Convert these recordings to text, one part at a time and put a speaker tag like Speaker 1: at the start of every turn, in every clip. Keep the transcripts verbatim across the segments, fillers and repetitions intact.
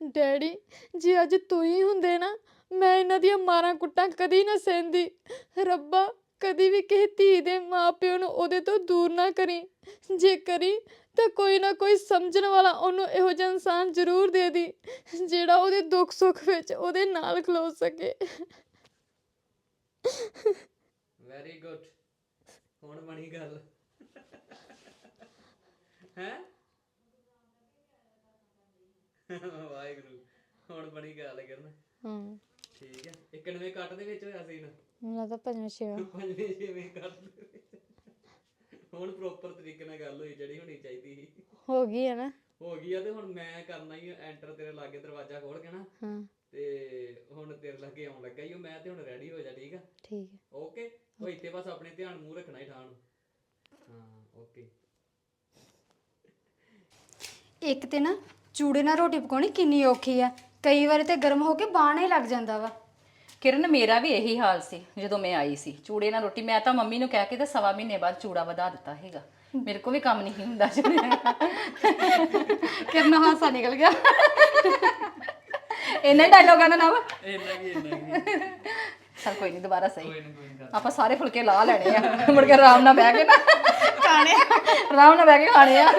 Speaker 1: Daddy ਜੇ ਅੱਜ ਤੁਸੀਂ ਹੁੰਦੇ ਨਾ ਮੈਂ ਇਹਨਾਂ ਦੀਆਂ ਮਾਰਾਂ ਕੁੱਟਾਂ ਕਦੀ ਨਾ ਸਹਿੰਦੀ। ਰੱਬਾ ਕਦੀ ਵੀ ਕਿਸੇ ਧੀ ਦੇ ਮਾਂ ਪਿਓ ਨੂੰ ਉਹਦੇ ਤੋਂ ਦੂਰ ਨਾ ਕਰੀ, ਜੇ ਕਰੀ ਤਾਂ ਕੋਈ ਨਾ ਕੋਈ ਸਮਝਣ ਵਾਲਾ ਉਹਨੂੰ ਇਹੋ ਜਿਹਾ ਇਨਸਾਨ ਜ਼ਰੂਰ ਦੇ ਦੀ ਜਿਹੜਾ ਉਹਦੇ ਦੁੱਖ ਸੁੱਖ ਵਿੱਚ ਉਹਦੇ ਨਾਲ ਖਲੋ ਸਕੇ।
Speaker 2: Very good. ਹੁਣ ਬਣੀ ਗੱਲ ਹੈ। ਵਾਹਿਗੁਰੂ ਹੁਣ ਬਣੀ ਗੱਲ ਕਰਨ।
Speaker 1: ਹਾਂ
Speaker 2: ਠੀਕ ਹੈ। ਇਕਨਵੇਂ ਕੱਟ ਦੇ ਵਿੱਚ ਹੋਇਆ ਸੀ ਨਾ
Speaker 1: ਮੈਨੂੰ ਤਾਂ ਪੰਜਵੇਂ ਛੇਵਾਂ
Speaker 2: ਪੰਜਵੇਂ ਛੇਵੇਂ ਕੱਟ ਦੇ ਵਿੱਚ ਹੁਣ ਪ੍ਰੋਪਰ ਤਰੀਕੇ ਨਾਲ ਗੱਲ ਹੋਈ ਜਿਹੜੀ ਹੋਣੀ ਚਾਹੀਦੀ ਸੀ।
Speaker 1: ਹੋ ਗਈ ਹੈ ਨਾ।
Speaker 2: ਹੋ ਗਈ ਆ ਤੇ ਹੁਣ ਮੈਂ ਕਰਨਾ ਹੀ ਐਂਟਰ ਤੇਰੇ ਲਾਗੇ ਦਰਵਾਜ਼ਾ ਖੋਲ ਕੇ ਨਾ।
Speaker 1: ਹਾਂ
Speaker 2: ਤੇ ਹੁਣ ਤੇਰੇ ਲਾਗੇ ਆਉਣ ਲੱਗਾ ਹੀ ਮੈਂ ਤੇ ਹੁਣ ਰੈਡੀ ਹੋ ਜਾ। ਠੀਕ ਆ
Speaker 1: ਠੀਕ ਹੈ
Speaker 2: ਓਕੇ। ਉਹ ਇੱਥੇ ਬਸ ਆਪਣੇ ਧਿਆਨ ਮੂੰਹ ਰੱਖਣਾ ਹੀ ਠਾਣ। ਹਾਂ ਓਕੇ।
Speaker 3: ਇੱਕ ਤੇ ਨਾ ਚੂੜੇ ਨਾਲ ਰੋਟੀ ਪਕਾਉਣੀ ਕਿੰਨੀ ਔਖੀ ਆ, ਕਈ ਵਾਰ ਤੇ ਗਰਮ ਹੋ ਕੇ ਬਾਹਣਾ ਹੀ ਲੱਗ ਜਾਂਦਾ ਵਾ।
Speaker 4: ਕਿਰਨ ਮੇਰਾ ਵੀ ਇਹੀ ਹਾਲ ਸੀ ਜਦੋਂ ਮੈਂ ਆਈ ਸੀ। ਚੂੜੇ ਨਾਲ ਰੋਟੀ ਮੈਂ ਤਾਂ ਮੰਮੀ ਨੂੰ ਕਹਿ ਕੇ ਤੇ ਸਵਾ ਮਹੀਨੇ ਬਾਅਦ ਚੂੜਾ ਵਧਾ ਦਿੱਤਾ ਹੈਗਾ। ਮੇਰੇ ਕੋ ਵੀ ਕੰਮ ਨਹੀਂ ਹੁੰਦਾ।
Speaker 3: ਕਿਰਨ ਹਾਸਾ ਨਿਕਲ ਗਿਆ।
Speaker 4: ਇੰਨਾ ਹੀ ਡਾਇਲੋਗਾਂ ਦਾ ਨਾਮ
Speaker 2: ਇੰਨਾ ਕੀ ਇੰਨਾ ਕੀ
Speaker 4: ਚਲ ਕੋਈ ਨਹੀਂ ਦੁਬਾਰਾ ਸਹੀ।
Speaker 2: ਕੋਈ ਨਾ ਕੋਈ ਨਾ
Speaker 4: ਆਪਾਂ ਸਾਰੇ ਫੁਲਕੇ ਲਾ ਲੈਣੇ ਆ ਮੁੜ ਕੇ ਆਰਾਮ ਨਾਲ ਬਹਿ ਕੇ ਨਾ ਖਾਣੇ ਆਰਾਮ ਨਾਲ ਬਹਿ ਕੇ ਖਾਣੇ ਆ।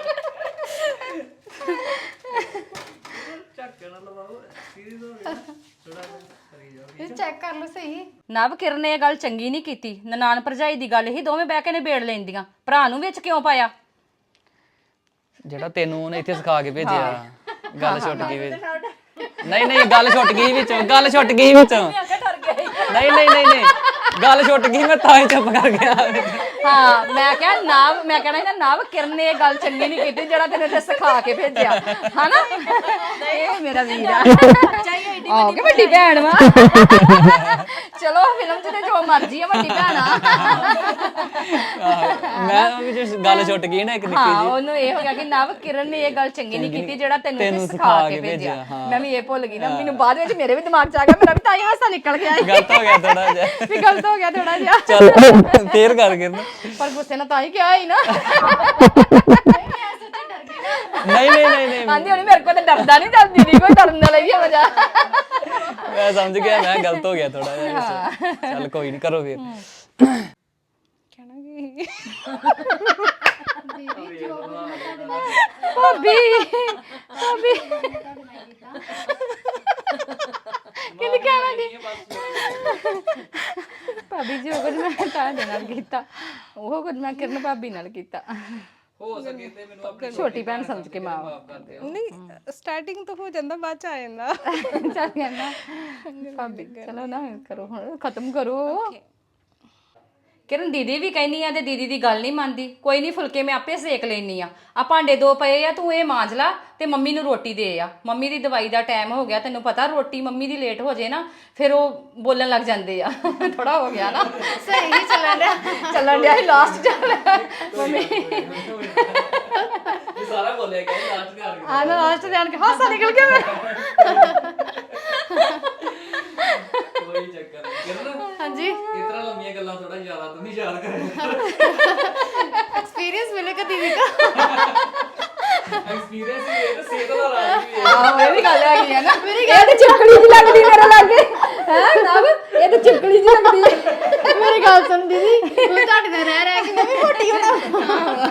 Speaker 2: ਝੱਕਣ ਨਾਲ ਲਵਾਓ ਸੀਰੀਅਸ ਹੋ ਗਿਆ ਥੋੜਾ ਕਰੀ ਜਾਓ।
Speaker 3: ਚੈੱਕ ਕਰ ਲਓ ਸਹੀ।
Speaker 4: ਨਵ ਕਿਰਨ ਨੇ ਇਹ ਗੱਲ ਚੰਗੀ ਨਹੀਂ ਕੀਤੀ। ਨਨਾਣ ਭਰਜਾਈ ਦੀ ਗੱਲ ਹੀ ਦੋਵੇਂ ਬਹਿ ਕੇ ਨਿਬੇੜ ਲੈਂਦੀਆਂ। ਭਰਾ ਨੂੰ ਵਿੱਚ ਕਿਉਂ ਪਾਇਆ?
Speaker 5: ਜਿਹੜਾ ਤੈਨੂੰ ਉਹਨੇ ਇੱਥੇ ਸਿਖਾ ਕੇ ਭੇਜਿਆ ਗੱਲ ਛੁੱਟ ਗਈ ਵਿੱਚ। ਨਹੀਂ ਨਹੀਂ ਗੱਲ ਛੁੱਟ ਗਈ ਵਿੱਚੋਂ ਗੱਲ ਛੁੱਟ ਗਈ ਵਿੱਚੋਂ। ਨਹੀਂ ਨਹੀਂ ਨਹੀਂ ਨਹੀਂ ਗੱਲ ਛੁੱਟ ਗਈ ਮੈਂ ਤਾਂ ਹੀ ਚੁੱਪ ਕਰ ਗਿਆ।
Speaker 4: ਹਾਂ ਮੈਂ ਕਿਹਾ ਨਵ ਮੈਂ ਕਹਿਣਾ ਸੀ ਨਵ ਕਿਰਨ ਨੇ ਇਹ ਗੱਲ ਚੰਗੀ ਨਹੀਂ ਕੀਤੀ ਜਿਹੜਾ ਤੈਨੂੰ ਇੱਥੇ ਸਿਖਾ ਕੇ ਭੇਜਿਆ ਹਨਾ। ਇਹ ਮੇਰਾ ਵੀਰ ਆ ਆਹ ਕਿ ਵੱਡੀ ਭੈਣ ਵਾ। ਚਲੋ ਫਿਲਮ 'ਚ ਤੇ ਜੋ ਮਰਜੀ ਆ ਵੱਡੀ ਭੈਣ ਆ।
Speaker 5: ਮੈਂ ਵੀ ਜੇ ਗੱਲ ਛੁੱਟ ਗਈ ਨਾ ਇੱਕ ਨਿੱਕੀ
Speaker 4: ਹਾਂ
Speaker 5: ਜੀ।
Speaker 4: ਉਹਨੂੰ ਇਹ ਹੋ ਗਿਆ ਕਿ ਨਵ ਕਿਰਨ ਨੇ ਇਹ ਗੱਲ ਚੰਗੀ ਨਹੀਂ ਕੀਤੀ ਜਿਹੜਾ ਤੈਨੂੰ ਇੱਥੇ ਸਿਖਾ ਕੇ ਭੇਜਿਆ। ਮੈਂ ਵੀ ਇਹ ਭੁੱਲ ਗਈ ਨਾ। ਮੈਨੂੰ ਬਾਅਦ ਵਿੱਚ ਮੇਰੇ ਵੀ ਦਿਮਾਗ 'ਚ ਆ ਗਿਆ। ਮੇਰਾ ਵੀ ਤਾਂ ਹੀ ਹਾਸਾ ਨਿਕਲ ਗਿਆ।
Speaker 5: ਗਲਤ ਹੋ ਗਿਆ ਥੋੜਾ ਜਿਹਾ।
Speaker 4: ਵੀ ਗਲਤ ਹੋ ਗਿਆ ਥੋੜਾ ਜਿਹਾ।
Speaker 5: ਚੱਲ ਫੇਰ ਕਰ ਕੇ
Speaker 4: ਪਰ ਗੁੱਸੇ ਨਾਲ ਤਾਂ ਹੀ ਕਿਹਾ ਹੀ ਨਾ।
Speaker 5: ਨਹੀਂ ਨਹੀਂ ਨਹੀਂ ਨਹੀਂ
Speaker 4: ਆਂਦੀ ਹੋਣੀ ਮੇਰੇ ਕੋਲ ਤਾਂ ਡਰਦਾ ਨਹੀਂ। ਚੱਲ ਦੀਦੀ ਕੋਈ ਡਰਨ ਵਾਲਾ ਹੀ ਆ ਮਜ਼ਾ।
Speaker 5: ਮੈਂ ਸਮਝ ਗਿਆ ਮੈਂ ਗਲਤ ਹੋ ਗਿਆ ਥੋੜਾ ਜਿਹਾ। ਚੱਲ ਕੋਈ ਨਹੀਂ ਕਰੋ ਫੇਰ।
Speaker 1: ਕਹਿਣਾ ਕੀ
Speaker 4: ਭਾਬੀ ਭਾਬੀ ਕਿਹਨੇ ਕਹਿਣਾ ਜੀ? ਭਾਬੀ ਜੀ ਉਹ ਕੁਝ ਮੈਂ ਤੁਹਾਡੇ ਨਾਲ ਕੀਤਾ, ਉਹ ਕੁਝ ਮੈਂ ਕਿਰਨ ਭਾਬੀ ਨਾਲ ਕੀਤਾ।
Speaker 2: ਹੋ ਸਕੇ ਤੇ ਮੈਨੂੰ ਆਪਣੀ
Speaker 4: ਛੋਟੀ ਭੈਣ ਸਮਝ ਕੇ ਮਾਫ
Speaker 2: ਕਰ ਦਿਓ।
Speaker 1: ਨਹੀਂ ਸਟਾਰਟਿੰਗ ਤੋਂ ਹੋ ਜਾਂਦਾ ਬਾਅਦ ਚ ਆ ਜਾਂਦਾ।
Speaker 4: ਚੱਲ ਕਹਿੰਦਾ ਭਾਬੀ ਚਲੋ ਨਾ ਕਰੋ ਹੁਣ ਖਤਮ ਕਰੋ। ਕਿਰਨ ਦੀਦੀ ਵੀ ਕਹਿੰਦੀ ਆ ਤੇ ਦੀਦੀ ਦੀ ਗੱਲ ਨਹੀਂ ਮੰਨਦੀ। ਕੋਈ ਨਹੀਂ ਫੁਲਕੇ ਮੈਂ ਆਪੇ ਸੇਕ ਲੈਣੀ ਆ। ਆ ਭਾਂਡੇ ਦੋ ਪਏ ਆ ਤੂੰ ਇਹ ਮਾਂਜ ਲਾ ਤੇ ਮੰਮੀ ਨੂੰ ਰੋਟੀ ਦੇ ਆ। ਮੰਮੀ ਦੀ ਦਵਾਈ ਦਾ ਟਾਈਮ ਹੋ ਗਿਆ। ਤੈਨੂੰ ਪਤਾ ਰੋਟੀ ਮੰਮੀ ਦੀ ਲੇਟ ਹੋ ਜੇ ਨਾ ਫਿਰ ਉਹ ਬੋਲਣ ਲੱਗ ਜਾਂਦੇ ਆ। ਥੋੜਾ ਹੋ ਗਿਆ ਨਾ
Speaker 3: ਸਹੀ ਚੱਲਣ ਡਿਆ।
Speaker 4: ਚੱਲਣ ਡਿਆ ਸੀ ਲਾਸਟ ਚੱਲ ਮੰਮੀ
Speaker 2: ਇਹ ਸਾਰਾ ਬੋਲਿਆ ਗਿਆ ਲਾਸਟ ਤੇ ਆ ਗਿਆ।
Speaker 4: ਆ ਨਾ ਲਾਸਟ ਤੇ ਆਣ ਕੇ ਹਾਸਾ ਨਿਕਲ ਗਿਆ ਮੇਰਾ।
Speaker 2: ਕੋਈ ਚੱਕਰ ਨਹੀਂ ਕਿਰਨ।
Speaker 3: ਹਾਂਜੀ
Speaker 2: ਇਤਨਾ ਲੰਮੀਆਂ ਗੱਲਾਂ ਥੋੜਾ ਜ਼ਿਆਦਾ ਤੂੰ ਨਹੀਂ ਯਾਦ ਕਰੇ।
Speaker 3: एक्सपीरियंस मिलेगा दीदी का।
Speaker 2: ਐਕਸਪੀਰੀਅੰਸ ਵੀ ਹੈ ਤੇ ਸਿਹਤ ਦਾ ਰਾਜ ਵੀ ਹੈ।
Speaker 4: ਆਹੋ ਇਹ ਵੀ ਗੱਲ ਹੈਗੀ ਆ ਨਾ। ਇਹ ਤੇ ਚਿਪਕਲੀ ਜਿਹੀ ਲੱਗਦੀ ਮੇਰੇ ਲਾਗੇ ਹੈ ਨਵ। ਇਹ ਤੇ ਚਿਪਕਲੀ ਜਿਹੀ ਲੱਗਦੀ।
Speaker 3: मेरी गल सुन दीदी तू ਤੁਹਾਡੇ ਨਾਲ ਰਹਿ ਰਹਿ ਕੇ ਮੈਂ ਵੀ ਮੋਟੀ ਹੋਣਾ।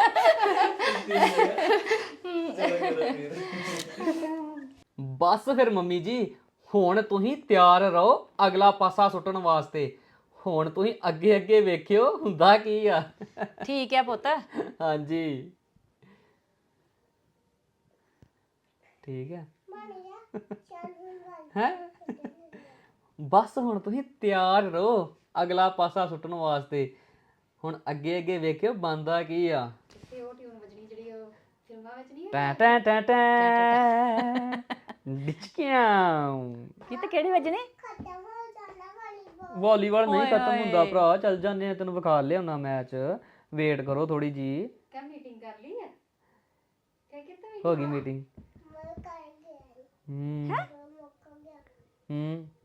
Speaker 2: ਬਸ ਫਿਰ ਮੰਮੀ ਜੀ ਹੁਣ ਤੁਸੀਂ ਤਿਆਰ ਰਹੋ ਅਗਲਾ ਪਾਸਾ ਸੁੱਟਣ ਵਾਸਤੇ। ਹੁਣ ਤੁਸੀਂ ਅੱਗੇ ਅੱਗੇ ਵੇਖਿਓ ਹੁੰਦਾ ਕੀ ਆ।
Speaker 4: ਠੀਕ ਹੈ ਪੁੱਤ।
Speaker 2: ਹਾਂਜੀ ਠੀਕ ਹੈ ਹੈ। ਬਸ ਹੁਣ ਤੁਸੀਂ ਤਿਆਰ ਰਹੋ ਅਗਲਾ ਪਾਸਾ ਸੁੱਟਣ ਵਾਸਤੇ। ਹੁਣ ਅੱਗੇ ਅੱਗੇ ਵੇਖਿਓ ਬੰਦਾ ਕੀ ਆ। ਟੈਂ ਟੈਂ ਟੈਂ ਟੈਂ ਡਿਚਕਿਆਂ।
Speaker 4: ਕਿਤੇ ਕਿਹੜੀ ਵਜਨੇ?
Speaker 2: ਵਾਲੀਬਾਲ ਨਹੀਂ ਖਤਮ ਹੁੰਦਾ ਭਰਾ। ਚੱਲ ਜਾਂਦੇ ਆ ਤੈਨੂੰ ਵਿਖਾ ਲਿਆਉਣਾ ਮੈਚ। ਵੇਟ ਕਰੋ ਥੋੜੀ ਜੀ।
Speaker 3: क्या मीटिंग कर ली है? क्या कहते
Speaker 2: ਹੋ ਗਈ ਮੀਟਿੰਗ। ਹੂੰ ਹੂੰ